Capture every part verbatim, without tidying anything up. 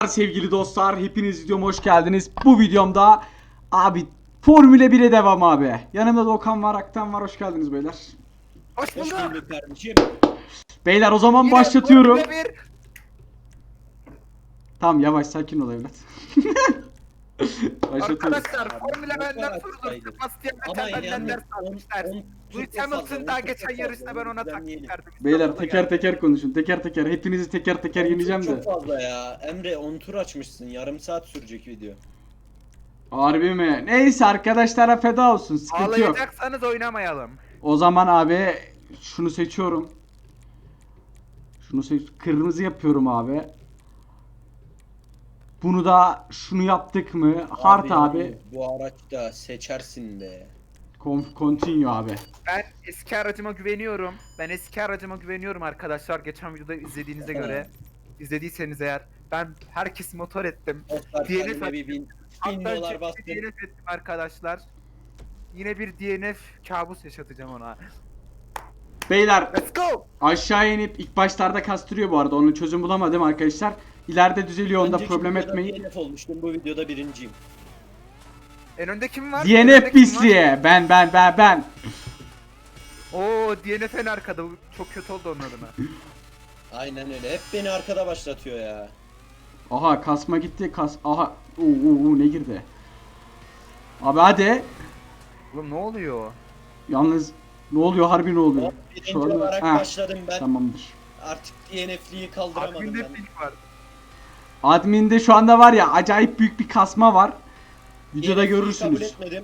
Sevgili dostlar, hepiniz videoma hoş geldiniz. Bu videomda abi Formula bire devam abi. Yanımda da Okan var, Aktan var. Hoş geldiniz beyler. Hoş Hoş bulduk. bulduk kardeşim. Beyler o zaman Yine başlatıyorum. Formula bir. Tamam yavaş sakin ol evlat. Başlatıyoruz. Arkadaşlar Abi, Formula motor benden açsaydı. sorulur. Sebastian Ama Vettel benden yani ders on- almışlar. on- Lewis çok fazla, Hamilton on daha çok geçen fazla, yarışta ben onu ona düzenleyelim. taktik verdim. Beyler İstanbul'a teker geldi. teker konuşun. Teker teker hepinizi teker teker yeneceğim Çok de. fazla ya. Emre on tur açmışsın. Yarım saat sürecek video. Harbi mi? Neyse arkadaşlara feda olsun. Sıkıntı yok. Ağlayacaksanız oynamayalım. O zaman abi şunu seçiyorum. Şunu seç kırmızı yapıyorum abi. Bunu da şunu yaptık mı? Hard abi. yalnız Bu araçta seçersin de. Conf- Continue abi. Ben eski aracıma güveniyorum. Ben eski aracıma güveniyorum arkadaşlar. Geçen videoda izlediğinize göre. İzlediyseniz eğer. Ben herkesi motor ettim. Dostlar D N F kendime bir bin, bin Hatta dolar ciddi bastım. D N F ettim arkadaşlar. Yine bir D N F kabus yaşatacağım ona. Beyler Let's go! aşağı inip ilk başlarda kastırıyor bu arada. Onun çözüm bulamadım arkadaşlar. İleride düzeliyor onda Önceki problem videoda etmeyin. D N F olmuştum. Bu videoda birinciyim. En önde kim var? D En N önde F kim var? pisliğe. Ben ben ben ben. Oo D N F en arkada. Bu çok kötü oldu onun adına. Aynen öyle. Hep beni arkada başlatıyor ya. Aha kasma gitti. Kas aha. Uu, uu, uu, ne girdi? Abi hadi. Oğlum ne oluyor? Yalnız ne oluyor harbi ne oluyor? Hop, birinci Şu anda- olarak Heh, başladım ben. Tamamdır. Artık D N F'liği kaldıramadım Adminde ben. pink var. Admin'de şu anda var ya acayip büyük bir kasma var. Videoda D N F'liği kabul görürsünüz. etmedim.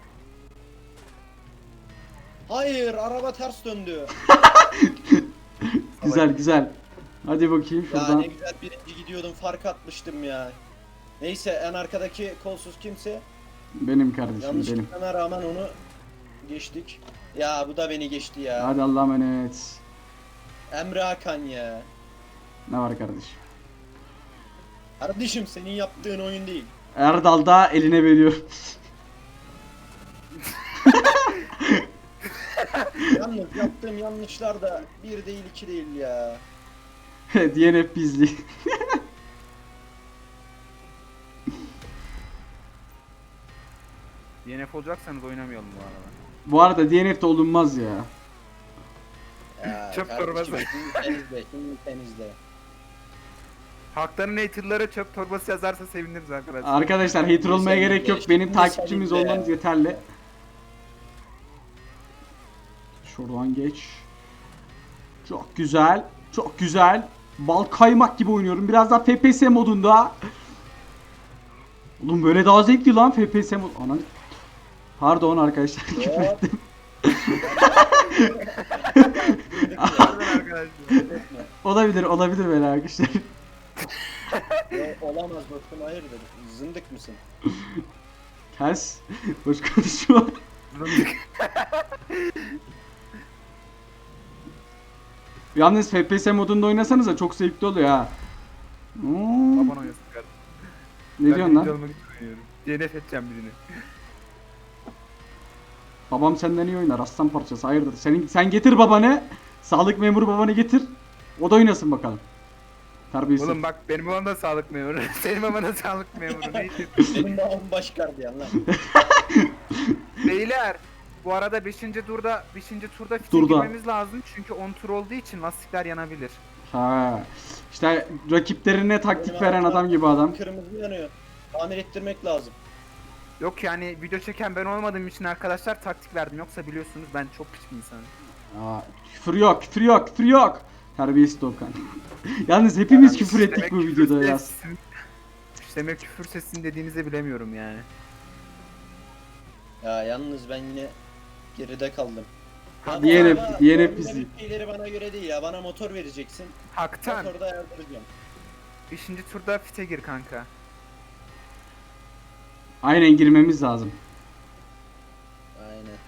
Hayır, araba ters döndü. Güzel güzel. Hadi bakayım Ya şuradan. ne güzel birinci gidiyordum, fark atmıştım ya. Neyse, en arkadaki kolsuz kimse. Benim kardeşim benim. Yanlışlıkla rağmen onu geçtik. Ya bu da beni geçti ya. Hadi Allah'a emanet. Emre Hakan ya. Ne var kardeşim? Kardeşim senin yaptığın oyun değil. Erdal da eline veriyor. Yalnız yaptığım yanlışlar da bir değil iki değil ya. D N F bizli. D N F olacaksanız oynamayalım bu arada. Bu arada D N F'de olunmaz ya. Ya Çöp kardeşim, torbası. Şimdi temizle, şimdi temizle. Hakların haterları çöp torbası yazarsa seviniriz arkadaşlar. Arkadaşlar hater olmaya Şimdi gerek yok. işte, Benim şimdi takipçimiz seninle. olmanız yeterli. Şuradan geç. Çok güzel. Çok güzel. Bal kaymak gibi oynuyorum. Biraz daha F P S modunda. Oğlum böyle daha zevkli lan F P S mod. Ana. Pardon arkadaşlar. küfür Hop. ettim. Pardon arkadaşlar. olabilir olabilir böyle arkadaşlar. Ya, olamaz dostum, hayırdır? Zındık mısın? Ters. Boş konuşma. Yalnız F P S modunda oynasanız da çok zevkli oluyor ha. Hmm. Baban oynasın kardeşim. Ne diyorsun lan? D N F edeceğim birini. Babam senden iyi oynar aslan parçası hayırdır. Senin, sen getir babanı. Sağlık memuru babanı getir. O da oynasın bakalım. Terbiyesiz. Oğlum bak benim babam da sağlık memuru. Senin baban da sağlık memuru. Neyse. Benim babam baş gardiyan lan. Beyler bu arada beşinci turda beşinci turda fite Turda. girmemiz lazım çünkü on tur olduğu için lastikler yanabilir. Ha. İşte rakiplerine taktik Benim veren araba adam gibi adam. Kırmızı yanıyor. Tamir ettirmek lazım. Yok yani video çeken ben olmadığım için arkadaşlar taktik verdim. Yoksa biliyorsunuz ben çok piç bir insanım. Aa, küfür yok, küfür yok, küfür yok. Terbiyesiz Doğukan. Yalnız hepimiz Yani küfür ettik demek bu küfür videoda ya. sessin- Demek küfür sesini dediğinizi bilemiyorum yani. Ya yalnız ben yine geride kaldım. Ya bu D N F, araba, D N F Formula bizi. bir şeyleri bana göre değil ya. Bana motor vereceksin. Haktan Motorda yardıracağım. beşinci turda fite gir kanka. Aynen girmemiz lazım. Aynen.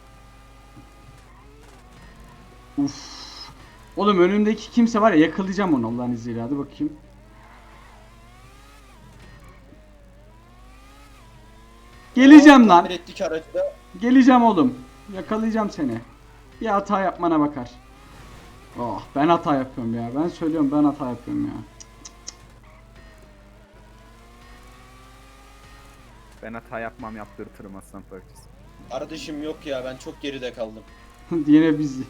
Uf. Oğlum önümdeki kimse var ya yakalayacağım onu Allah'ın izniyle. Hadi bakayım. Geleceğim lan. Tamir ettik aracı da. Geleceğim oğlum. Yakalayacağım seni. Bir hata yapmana bakar. Oh ben hata yapıyorum ya. Ben söylüyorum ben hata yapıyorum ya. Ben hata yapmam, yaptırtırım aslan parçası. Kardeşim yok ya, ben çok geride kaldım. D N F bizi.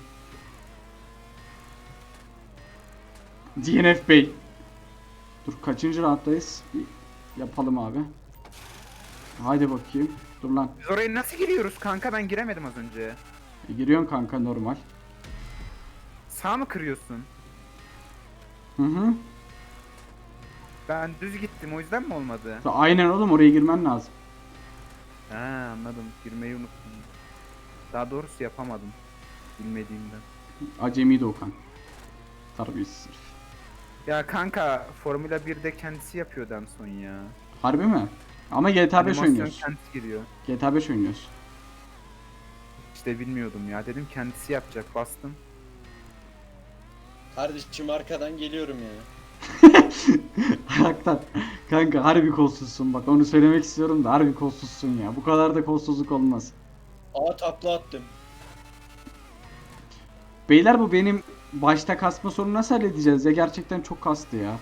D N F Bey. Dur kaçıncı rounddayız? Bir yapalım abi. Haydi bakayım. Dur lan. Biz oraya nasıl giriyoruz kanka? Ben giremedim az önce. E, giriyorsun kanka normal. Sağ mı kırıyorsun? Hı hı. Ben düz gittim, o yüzden mi olmadı? Aynen oğlum, oraya girmen lazım. Ha, anladım. Girmeyi unuttum. Daha doğrusu yapamadım. Bilmediğimden. Acemi Okan. Terbiyesiz herif. Ya kanka Formula birde kendisi yapıyordu en son ya. Harbi mi? Ama G T A beş Animasyon oynuyoruz. kendisi giriyor. G T A beş oynuyoruz. İşte bilmiyordum ya. Dedim kendisi yapacak. Bastım. Kardeşim arkadan geliyorum ya. Hakikaten. Kanka harbi kolsuzsun, bak onu söylemek istiyorum da harbi kolsuzsun ya. Bu kadar da kolsuzluk olmaz. Aa, takla attım. Beyler, bu benim başta kasma sorunu nasıl halledeceğiz ya? Gerçekten çok kastı ya.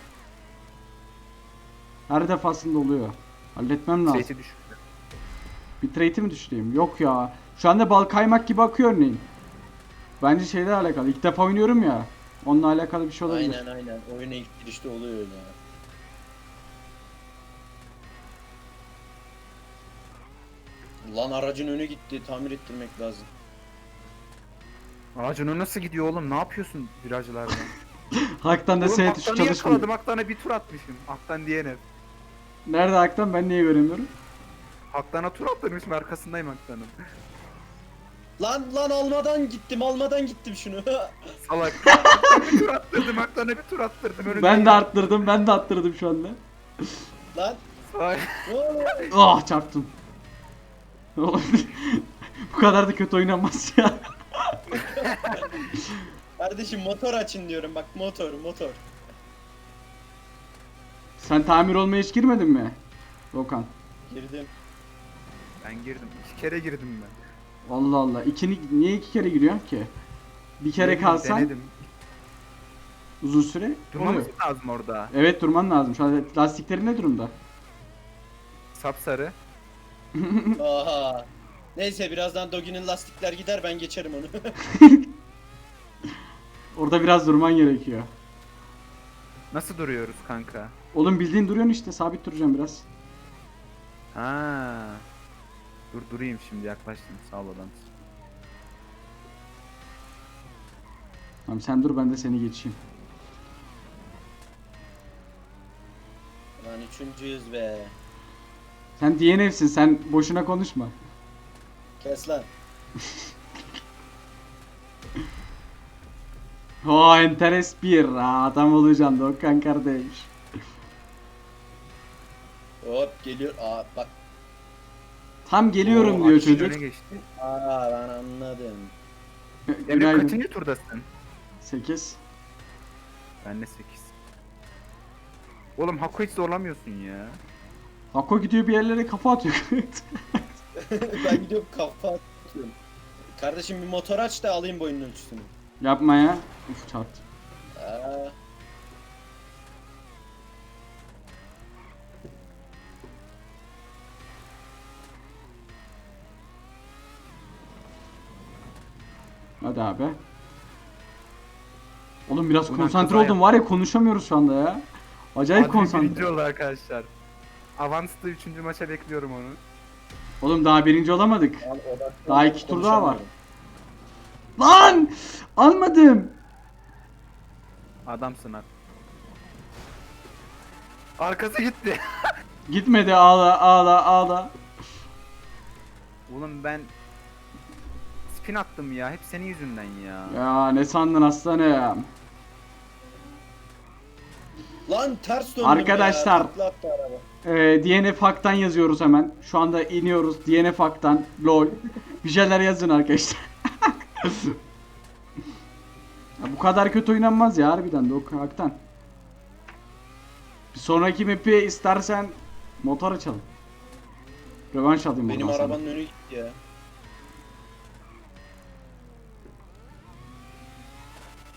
Her defasında oluyor. Halletmem lazım. Sesi düşürdü. Bitrate'i mi düşüreyim? Yok ya. Şu anda bal kaymak gibi akıyor örneğin. Bence şeyle alakalı. İlk defa oynuyorum ya. Onunla alakalı bir şey olabilir. Aynen aynen. Oyuna ilk girişte oluyor öyle ya. Lan aracın önü gitti. Tamir ettirmek lazım. Ağacına nasıl gidiyor oğlum? Ne yapıyorsun virajlarda? Haktan da Oğlum S tuşu Aktan'ı çalışmıyor. yakaladım. Aktan'a bir tur atmışım. Aktan diyene. Nerede Haktan? Ben niye göremiyorum? Aktan'a tur attırmışım. Arkasındayım Aktan'ın. Lan lan almadan gittim. Almadan gittim şunu. Salak. Aktan'a bir tur attırdım. Aktan'a bir tur attırdım. Önündeyim. Ben de arttırdım. Ben de arttırdım şu anda. Lan. Salak. Ne oluyor? Ah, çarptım. Bu kadar da kötü oynanmaz ya. Kardeşim motor açın diyorum. Bak motor motor. Sen tamir olmaya hiç girmedin mi? Okan. Girdim. Ben girdim. İki kere girdim ben. Allah Allah. İkini, niye iki kere giriyorsun ki? Bir kere Denedim, kalsan Denedim. uzun süre Durmamız oluyor. lazım orada. Evet, durman lazım. Şu an lastiklerin ne durumda? Sapsarı. Aha. Neyse birazdan Dogi'nin lastikler gider, ben geçerim onu. Orada biraz durman gerekiyor. Nasıl duruyoruz kanka? Oğlum bildiğin duruyorsun işte. Sabit duracağım biraz. Ha. Dur durayım şimdi, yaklaştım. Sağ ol adam. Tamam, sen dur, ben de seni geçeyim. Lan üçüncüyüz be. Sen D N F'sin. Sen boşuna konuşma. Kes lan. O enteres bir. Ha, adam olacaksın da Okan kardeş. Hop geliyor. Aa bak. Tam geliyorum Oo, diyor Akşin çocuk. öne geçti. Aa ben anladım. Emre Günaydın. kaçıncı turdasın? sekiz. Ben de sekiz. Oğlum Hako hiç zorlamıyorsun ya. Hako gidiyor bir yerlere kafa atıyor. Ben gidiyorum kafa atıyorum. Kardeşim bir motor aç da alayım boyunun ölçüsünü. Yapma ya. Uf, çarptı. Aa. Hadi abi. Oğlum biraz Ulan konsantre kaza oldum var ya, konuşamıyoruz şu anda ya. Acayip Adil birinci konsantre. oldu arkadaşlar. Avans'ta üçüncü maça bekliyorum onu. Oğlum daha birinci olamadık. Al, odaklan, Daha iki tur daha var. konuşamıyorum. Lan! Almadım. Adamsın at. Arkası gitti. Gitmedi, ağla ağla ağla. Oğlum ben spin attım ya. Hep senin yüzünden ya. Ya ne sandın aslanım? Lan ters döndüm Arkadaşlar. ya. Takla attı araba. Ee, D N F Hak'tan yazıyoruz hemen. Şu anda iniyoruz. D N F Hak'tan. LOL. Bir şeyler yazın arkadaşlar. Ya bu kadar kötü oynanmaz ya harbiden de o Hak'tan. Bir sonraki map'i istersen motor açalım. Rövanş alayım Benim buradan sana. arabanın önü gitti ya.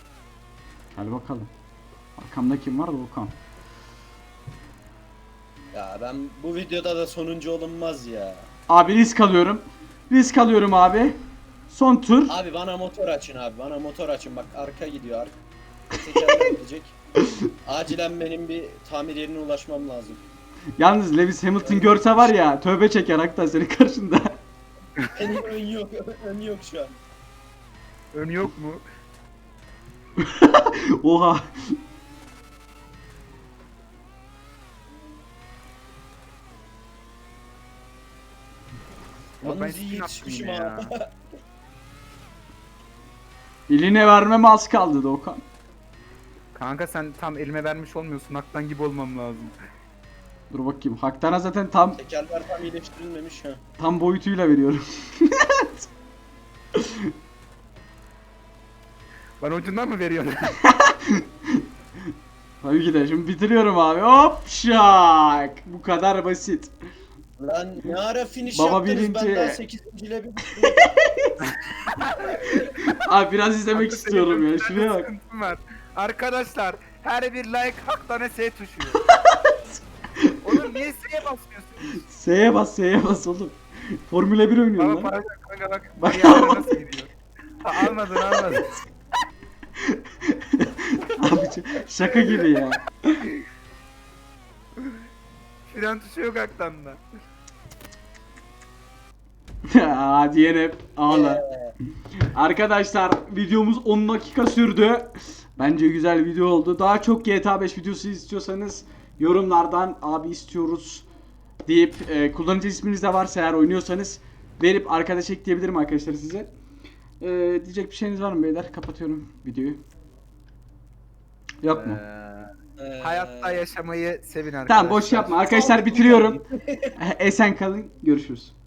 Gel bakalım. Arkamda kim var da Okan. Ya ben bu videoda da sonuncu olunmaz ya. Abi risk alıyorum. Risk alıyorum abi. Son tur. Abi bana motor açın abi. Bana motor açın. Bak arka gidiyor. Arka tekerler gidecek. Acilen benim bir tamir yerine ulaşmam lazım. Yalnız Lewis Hamilton görse var ya tövbe çeker Aktan senin karşında. Benim ön yok. Ön yok şu an. Ön yok mu? Oha. Oğlum ben Yalnız iyi spin yetişmişim attım ha. ya. Eline vermeme az kaldı Doğukan. Kanka sen tam elime vermiş olmuyorsun. Haktan gibi olmam lazım. Dur bakayım. Haktan'a zaten tam Tekerler tam iyileştirilmemiş ha. tam boyutuyla veriyorum. Bana ucundan mı veriyorsun? Tabii ki de şimdi bitiriyorum abi. Hop şak. Bu kadar basit. Lan ne ara finish Baba yaptınız birinci. ben daha sekizinci ile bir Abi biraz izlemek Kanka, istiyorum senin ya. bir Şuraya tane bak. sıkıntın var. Arkadaşlar her bir like Haktan'a S tuşu. Oğlum niye S'ye basmıyorsun? S'ye bas, S'ye bas oğlum. Formula bir oynuyorum Baba lan. pardon kanka bak. Bak. Ayarları nasıl gidiyor? Ha, almadın almadın. Abi şaka gibi ya. Fren tuşu yok Haktan'da. Hadi yine ağla. Ee, Arkadaşlar videomuz on dakika sürdü. Bence güzel video oldu. Daha çok G T A beş videosu istiyorsanız yorumlardan abi istiyoruz deyip e, kullanıcı isminiz de varsa eğer oynuyorsanız verip arkadaş ekleyebilirim arkadaşlar size. E, diyecek bir şeyiniz var mı beyler? Kapatıyorum videoyu. Yok mu? Ee, e, hayatta yaşamayı sevin arkadaşlar. Tamam boş yapma. Arkadaşlar bitiriyorum. Esen kalın. Görüşürüz.